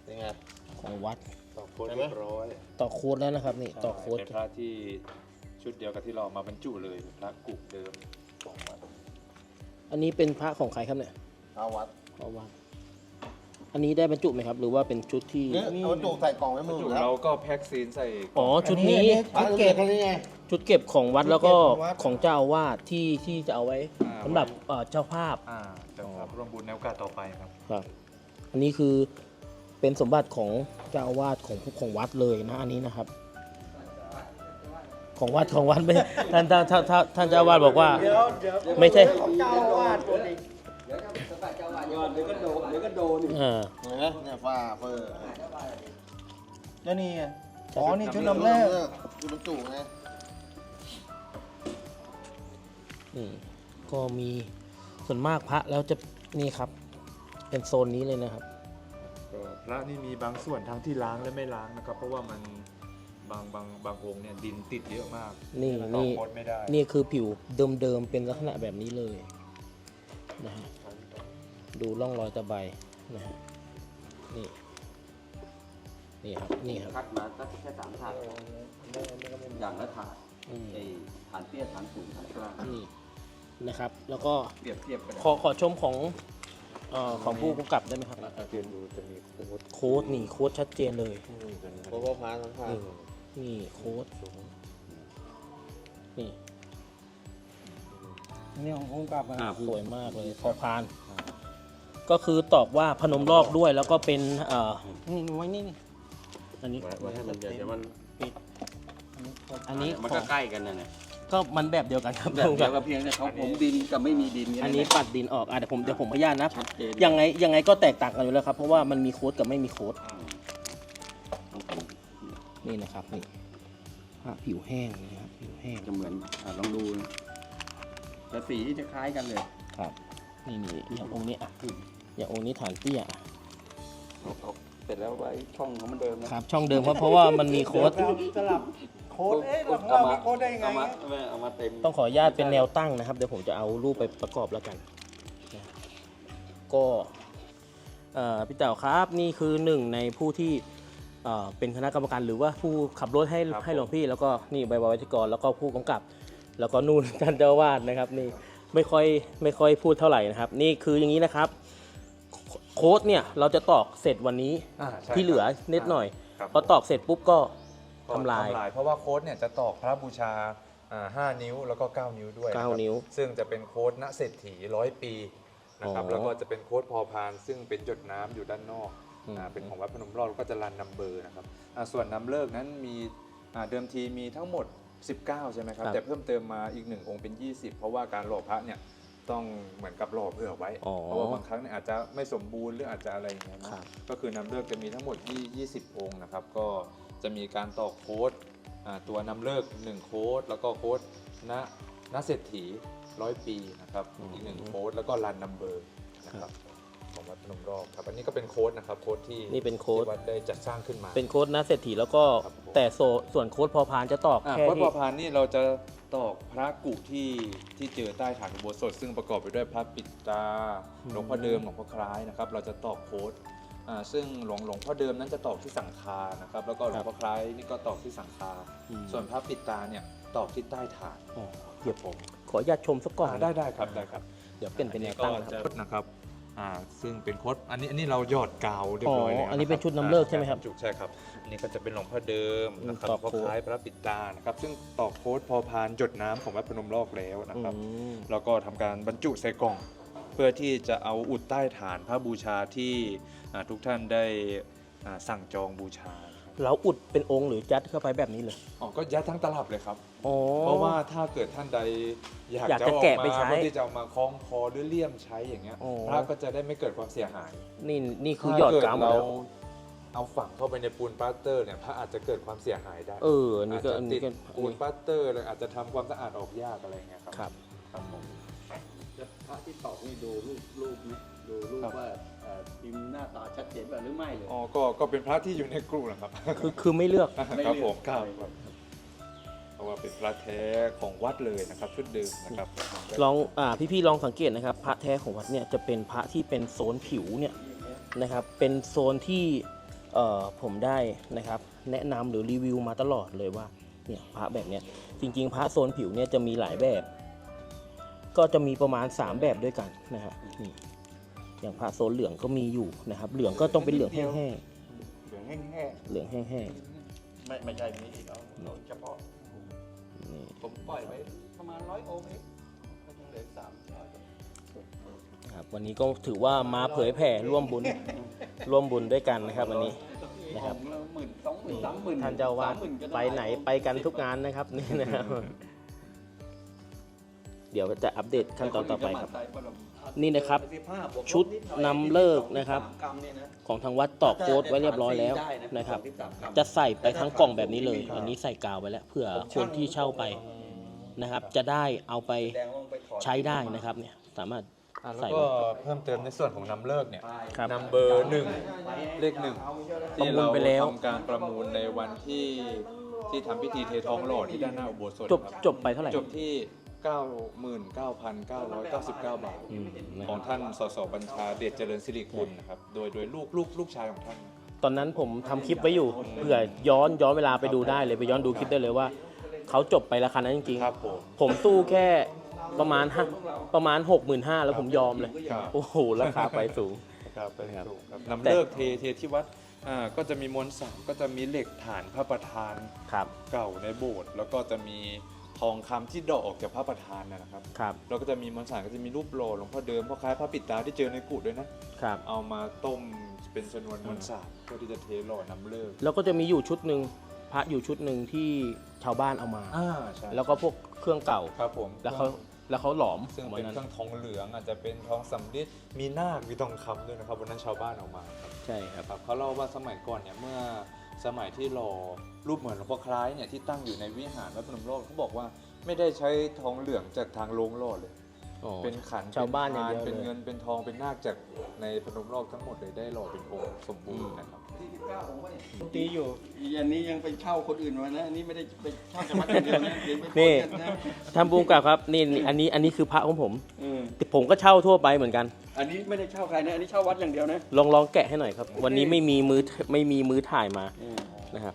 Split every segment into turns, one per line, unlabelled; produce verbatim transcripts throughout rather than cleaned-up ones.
ยังไง
ของวัด
ต่อโค้ดเรียบร้อย
ต่อโค้ดแล้วนะครับนี่ต่อโค้ด
เป็นพระที่ชุดเดียวกับที่เรามาบรรจุเลยพระกุเดิมของวัด
อันนี้เป็นพระของใครครับเนี่ย
พระวัด
พระวัดอันนี้ได้บรรจุไหมครับหรือว่าเป็นชุดที่
เนี่ยเอาบรรจุใส่กล่องไว้มือแล้ว
เราก็แพ็คซีนใส่
อ๋อชุดนี้
ชุดเก็บนี่ไง
ชุดเก็บของวัดแล้วก็ของเจ้าอาวาสที่ที่จะเอาไว้สำหรับเจ้าภาพ
เจ้าภาพร่วมบุญในโอกาสต่อไปครับ
ครับอันนี้คือเป็นสมบัติของเจ้าอาวาสของของวัดเลยนะอันนี้นะครับของวัดของวัดไม่ท่านท่านท่านท่านเจ้าอาวาสบอกว่าไม่ใช่
เจ้าอาวาสตัวนี้เดี๋ยวครับสมบัติเจ้าอาวาสเดี๋ยวก็โดนเดี๋ยวก็โดนเออเนี่ยฟ้าเฟอร์แล้วนี่อ๋อนี่ชุดนำแรกชุดบรรจุไง
นี่ก็มีส่วนมากพระแล้วจะนี่ครับเป็นโซนนี้เลยนะครับ
พระนี่มีบางส่วนทั้งที่ล้างและไม่ล้างนะครับเพราะว่ามันบางบางบางองค์เนี่ยดินติดเยอะมาก
นี่นี่นี่คือผิวเดิมๆเป็นลักษณะแบบนี้เลยนะฮะดูร่องรอยตะไบนะฮะนี่นี่ครับนี่ครับ
คัดมาสักแค่สามถาดอย่างละถาดไอ้ฐานเตี้ยฐานสูงฐานกลาง
นี่นะครับแล้วก็
เปรียบเทียบกัน
ขอขอชมของเอ่อของผู้กำกับได้ไหมครับ
เรียนดูจะมีโค้ด
โค้ดนี่โค้ดชัดเจนเลย
โค้ดพาทั้งพา
นี่โค้ดนี่
นี่ของผู้กำกับ
สวยมากเลยพอพานก็คือตอบว่าพนมรอกด้วยแล้วก็เป็นเอ่อนี่ไว้นี่อันนี้
ไว้ให้มันเดี๋ยวมันปิด
อันนี้
มันก็ใกล้กันนั่นแหละ
ก็มันแบบเดียวกันครับ
แบบเดียวกับเพียงแต่เขาผมดินกับไม่มีดิน
อันนี้ปัดดินออกอ่ะเดี๋ยวผมเดี๋ยวผมพยานนะยังไงยังไงก็แตกต่างกันอยู่แล้วครับเพราะว่ามันมีโค้ดกับไม่มีโค้ดนี่นะครับนี่ผิวแห้งนะครับผิวแห้ง
จะเหมือนลองดูแต่สีจะคล้ายกันเลย
ครับนี่นี่อย่างองค์นี้อ่ะอย่างองค์นี้ฐานเตี้ย
เสร็จแล้วไว้ช่องของมันเดิม
นะครับช่องเดิมเพราะเพราะว่ามันมีโค้ด
สลับโค้ดเอ๊ะของเรามีโค้ดได้ไง
เอามาเต็ม
ต้องขออนุญาตเป็นแนวตั้งนะครับเดี๋ยวผมจะเอารูปไปประกอบแล้วกันก็พี่เต๋าครับนี่คือหนึ่งในผู้ที่เป็นคณะกรรมการหรือว่าผู้ขับรถให้ให้หลวงพี่แล้วก็นี่ใบวัชกรแล้วก็ผู้กำกับแล้วก็นู่นท่านเจ้าวาดนะครับนี่ไม่ค่อยไม่ค่อยพูดเท่าไหร่นะครับนี่คืออย่างนี้นะครับโค้ดเนี่ยเราจะตอกเสร็จวันนี้ที่เหลือนิดหน่อยพอตอกเสร็จปุ๊บก็ทำลาย
เพราะว่าโค้ดเนี่ยจะตอกพระบูชาห้านิ้วแล้วก็เก้านิ้วด้วย
เก้านิ้ว
ซึ่งจะเป็นโค้ดณเศรษฐีร้อยปีนะครับแล้วก็จะเป็นโค้ดพอพานซึ่งเป็นหยดน้ำอยู่ด้านนอกเป็นของวัดพนมรอดก็จะรันนัมเบอร์นะครับส่วนนำเลิกนั้นมีเดิมทีมีทั้งหมดสิบเก้าใช่ไหมครับแต่เพิ่มเติมมาอีกหนึ่งองค์เป็นยี่สิบเพราะว่าการหล่อพระเนี่ยต้องเหมือนกับหล่อเผื่อไว้เพราะว่าบางครั้งเนี่ยอาจจะไม่สมบูรณ์หรืออาจจะอะไรอย่างเงี้ยนะก็คือนำเลิกจะมีทั้งหมดยี่สิบองค์นะครับก็จะมีการต่อโค้ดตัวนำเลิกหนึ่งโค้ดแล้วก็โค้ดณณเศรษฐีร้อยปีนะครับอีกหนึ่งโค้ดแล้วก็รันนัมเบอร์นะครับของวัดพนมรอบครับอันนี้ก็เป็นโค้ดนะครับโค้ดที่
นี่เป็นโค้ด
วัดได้จัดสร้างขึ้นมา
เป็นโค้ดณเศรษฐีแล้วก็แต่ส่วนโค้ดพอพานจะตอกแค่
โค้ดพอพานนี่เราจะตอกพระกุที่ที่เจอใต้ฐานอุโบสถซึ่งประกอบไปด้วยพระปิดตาหลวงพ่อเดิมหลวงพ่อคล้ายนะครับเราจะตอกโค้ดซึ่งหลวงหลวงพ่อเดิมนั้นจะตอกที่สังฆานะครับแล้วก็หลวงพ่อคล้ายนี่ก็ตอกที่สังฆาส่วนพระปิดตาเนี่ยตอกที่ใต้ฐาน
เดี๋ยวผมขออนุญาตชมสักก่อน
ได้ได้ครับได้ครับ
เดี๋ยวเป็นเป็นแนวตั้ง
นะครับอ่าซึ่งเป็นโค้ดอันนี้อันนี้เราหยอดกาวเรียบร้อยแล้ว
อันนี้เป็นชุดน้ำเลิกใช่ไหมครับ
จุกใช่ครับอันนี้ก็จะเป็นหลวงพ่อเดิมนะครับหลวงพ่อคล้ายพระปิดตานะครับซึ่งตอกโค้ดพอพานหยดน้ำของวัดพนมรอกแล้วนะครับแล้วก็ทำการบรรจุใส่กล่องเพื่อที่จะเอาอุดใต้ฐานพระบูชาที่ทุกท่านได้สั่งจองบูชา
เราอุดเป็นองค์หรือยัดเข้าไปแบบนี้เลย
อ๋อก็ยัดทั้งตลับเลยครับเพราะว่าถ้าเกิดท่านใดอยากจะแกะไปใช้เพื่อที่จะมาคล้องคอหรือเลี่ยมใช้อย่างเงี้ยพระก็จะได้ไม่เกิดความเสียหาย
นี่นี่คือหยอดกาว
เราเอาฝังเข้าไปในปูนปาสเตอร์เนี่ยพระอาจจะเกิดความเสียหายได้
เออนี่ก็
ติดปูนปาสเตอร์เลยอาจจะทำความสะอาดออกยากอะไรเงี้ยครับ
ครับ
ครับผม
พระที่ตอกนี่ดูรูปรูปดูรูปว่าพิมพ์หน้าตาชัดเจนหรือไม่เลย
อ๋อก็ก็เป็นพระที่อยู่ในกลุ่มนะครับ
คือคือไม่เลือก
ครับผมครับเพราะว่าเป็นพระแท้ของวัดเลยนะครับชุดเดิมนะครับ
ลองอ่าพี่ๆลองสังเกตนะครับพระแท้ของวัดเนี่ยจะเป็นพระที่เป็นโซนผิวเนี่ยนะครับเป็นโซนที่เอ่อผมได้นะครับแนะนำหรือรีวิวมาตลอดเลยว่าเนี่ยพระแบบเนี้ยจริงๆพระโซนผิวเนี่ยจะมีหลายแบบ ก็จะมีประมาณสามแบบด้วยกันนะฮะนี่อย่างพระโซนเหลืองก็มีอยู่นะครับ เหลืองก็ต้องเป็นเหลืองแห้ง
เหลืองแห้ง
ๆเหลืองแห้ง
ๆไม่ไม่ใช่มีอีกเอาเอาเฉพาะ
ๆนี่
ผมปล่อยไว้ประมาณร้อยองค์เองก็ยังเหลือสามร้อย
ครับวันนี้ก็ถือว่ามาเผยแผ่ร่วมบุญร่วมบุญด้วยกันนะครับ วันนี้นะครับ
องค์ละหมื่นสองหมื่นสามหมื่น
ท่านเจ้าวาด
สมมื่ก็
ไปไหนไปกันทุกงานนะครับนี่นะครับ เดี๋ยวจะอัปเดตขั้นตอนต่อไปครับ นี่นะครับ ชุดนำเลิกนะครับ ของทางวัดตอกโค้ดไว้เรียบร้อยแล้วนะครับ จะใส่ไปทั้งกล่องแบบนี้เลย อันนี้ใส่กาวไว้แล้วเผื่อคนที่เช่าไปนะครับ จะได้เอาไปใช้ได้นะครับเนี่ยสามารถ
อ่ะแล้ว
ใส่
ก็
ไว้
เพิ่มเติมในส่วนของนำเลิกเนี่ย
ครับ
นำเบอร์หนึ่งเลขหนึ่งที่
ประมู
เรา
ลไปแล้ว
ทำการประมูลในวันที่ที่ทำพิธีเททองหล่อที่ด้านหน้าอุโบสถ
จบ
ครับ
จบไปเท่าไหร่
จบที่ เก้าหมื่นเก้าพันเก้าร้อยเก้าสิบเก้า บาท
อืมนะ
ข
ค
อ
รั
ง
บ
ท่านสสบัญชาเดชเจริญสิริกุลนะครับโดยโดยลูกลูกลูกชายของท่าน
ตอนนั้นผมทำคลิปไว้อยู่เผื่อย้อนย้อนเวลาไปดูได้เลยไปย้อนดูคลิปได้เลยว่าเขาจบไปราคานั้นจริง
ครับผม
ๆผมสู้แค่ประมาณห้าประมาณหกหมื่นห้าแล้วผมยอมเลย
ครับ
โอ้โหราคาไปสูง
ครับ
ครับ
ถูกครับนำเลิกเทเทที่วัดอ่าก็จะมีมวลสารก็จะมีเหล็กฐานพระประธาน
ครับ
เก่าในโบสถ์แล้วก็จะมีทองคำที่เดาะออกจากพระประธานนะนะครับ
ครับ
แล้วก็จะมีมวลสารก็จะมีรูปหล่อหลวงพ่อเดิมพ่อคล้ายพระปิดตาที่เจอในกุฏด้วยนะครับ เอามาต้มเป็นชนวนมวลสารเพื่อที่จะเทหล่อนำเลิก
แล้วก็จะมีอยู่ชุดหนึ่งพระอยู่ชุดหนึ่งที่ชาวบ้านเอามา
อ่าใช่
แล้วก็พวกเครื่องเก่า
ครับผม
แล้วเขาแล้วเขาหลอม
ซึ่ง
วั
เป็น
นั้น
เครื่องทองเหลืองอาจจะเป็นทองสำริดมีนาคมีทองคำด้วยนะครับวันนั้นชาวบ้านเอามาครับ
ใช่ครับ
ครับเขาเล่าว่าสมัยก่อนเนี่ยเมื่อสมัยที่หล่อรูปเหมือนหลวงพ่อคล้ายเนี่ยที่ตั้งอยู่ในวิหารวัดพนมโลกเขาบอกว่าไม่ได้ใช้ทองเหลืองจากทางโรงหล่อเลย
อ๋อ
เป็นขัน
ชาวบ้านอย่าง
เป็
เดียว
เป็น
เลย
เงินเป็นทองเป็นนาคจากในพนมโลกทั้งหมดเลยได้หล่อเป็นองค์สมบูรณ์นะครับ
ตีอยู่
อันนี้ยังไปเช่าคนอื่นมานะอันนี้ไม่ได้ไปเช่าจากวัดอย่างเดียวนะเดี๋ยวไป
นี่
ปนกันนะ
ทำบูมกับครับนี่นี่อันนี้อันนี้คือพระของผม
เออ
ผมก็เช่าทั่วไปเหมือนกัน
อันนี้ไม่ได้เช่าใครนะอันนี้เช่าวัดอย่างเดียวนะ
ลองลองแกะให้หน่อยครับ วันนี้ไม่มีมือไม่มีมือถ่ายมา
เออ
นะครับ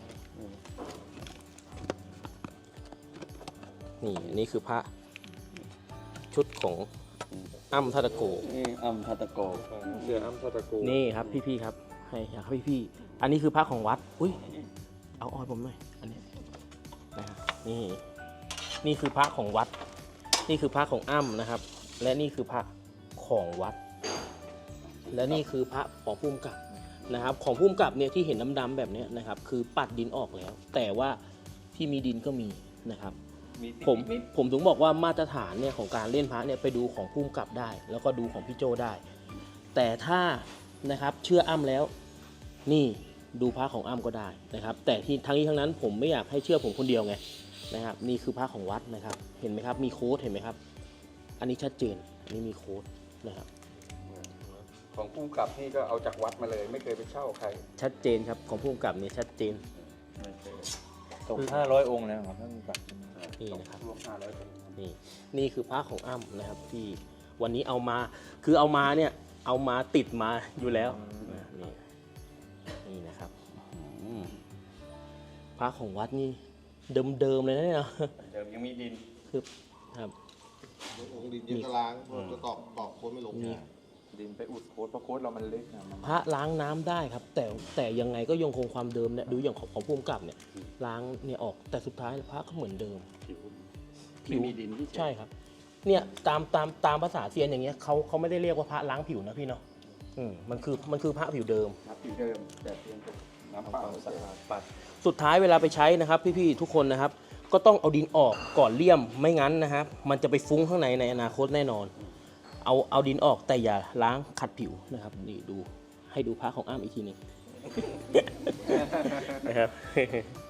นี่อันนี้คือพระชุดของอ้ำทัตโก
นี่อัมทัตตะโก
เสืออ้ำทัตโก
นี่ครับพี่ๆครับให้ครับพี่ๆอันนี้คือพระของวัดอุ้ยเอาออยผมหน่อยอันนี้นะครับนี่นี่คือพระของวัด นี่คือพระของอ้ำนะครับ และนี่คือพระของวัด และนี่คือพระของภูมิกับนะครับ ของภูมิกับเนี่ยที่เห็นดำๆแบบเนี้ยนะครับ คือปัดดินออกแล้ว แต่ว่าที่มีดินก็มีนะครับ
มี
ผมผมถึงบอกว่ามาตรฐานเนี่ยของการเล่นพระเนี่ยไปดูของภูมิกับได้ แล้วก็ดูของพี่โจได้ แต่ถ้านะครับเชื่ออ้ำแล้ว นี่ดูพระของอ้ำก็ได้นะครับ แต่ที่ทั้งนี้ทั้งนั้นผมไม่อยากให้เชื่อผมคนเดียวไงนะครับ นี่คือพระของวัดนะครับ เห็นไหมครับมีโค้ดเห็นไหมครับ อันนี้ชัดเจนอันนี้มีโค้ดนะครับ
ของผู้กำกับนี่ก็เอาจากวัดมาเลย ไม่เคยไปเช่าใคร
ชัดเจนครับของภูมิกับเนี่ยชัดเจน
ตกห้าร้อยองค์แล้วครับท่านผู้กับ
นี่นะครับ
รวมห้าร้อยคน
นี่นี่คือพระของอ้ำนะครับที่วันนี้เอามาคือเอามาเนี่ยเอามาติดมาอยู่แล้วนะนี่นี่นะครับอืมพระของวัดนี่เดิมๆเลยนะเนี่ย
เดิมยังมีดิน
คือครับ
องค์ดินยังกระล้างเพราะจะตอกตอกโค้ดไม่ลง
มี
ดินไปอุดโค้ดเพราะโค้ดเรามันเล็กนะมัน
พระล้างน้ำได้ครับ แต่แต่ยังไงก็ยังคงความเดิมเนี่ยดูอย่างของของภูมิกับเนี่ยล้างเนี่ยออกแต่สุดท้ายพระก็เหมือนเดิม
ไม่มีดินที่
ใช่ครับ เนี่ยตามตามตามภาษาเซียนอย่างเงี้ยเขาเขาไม่ได้เรียกว่าพระล้างผิวนะพี่เนาะอืมมันคือมันคือพระผิวเดิม
ครับอยู่เดิมแต่เพียงแต่น้ำเปล่า
ความสะอาดปัด
สุดท้ายเวลาไปใช้นะครับ พี่ๆทุกคนนะครับ ก็ต้องเอาดินออกก่อนเลี่ยมไม่งั้นนะครับ มันจะไปฟุ้งข้างในในอนาคตแน่นอน เอาเอาดินออกแต่อย่าล้างขัดผิวนะครับนี่ดูให้ดูพระของอ้ำอีกทีหนึง นะครับ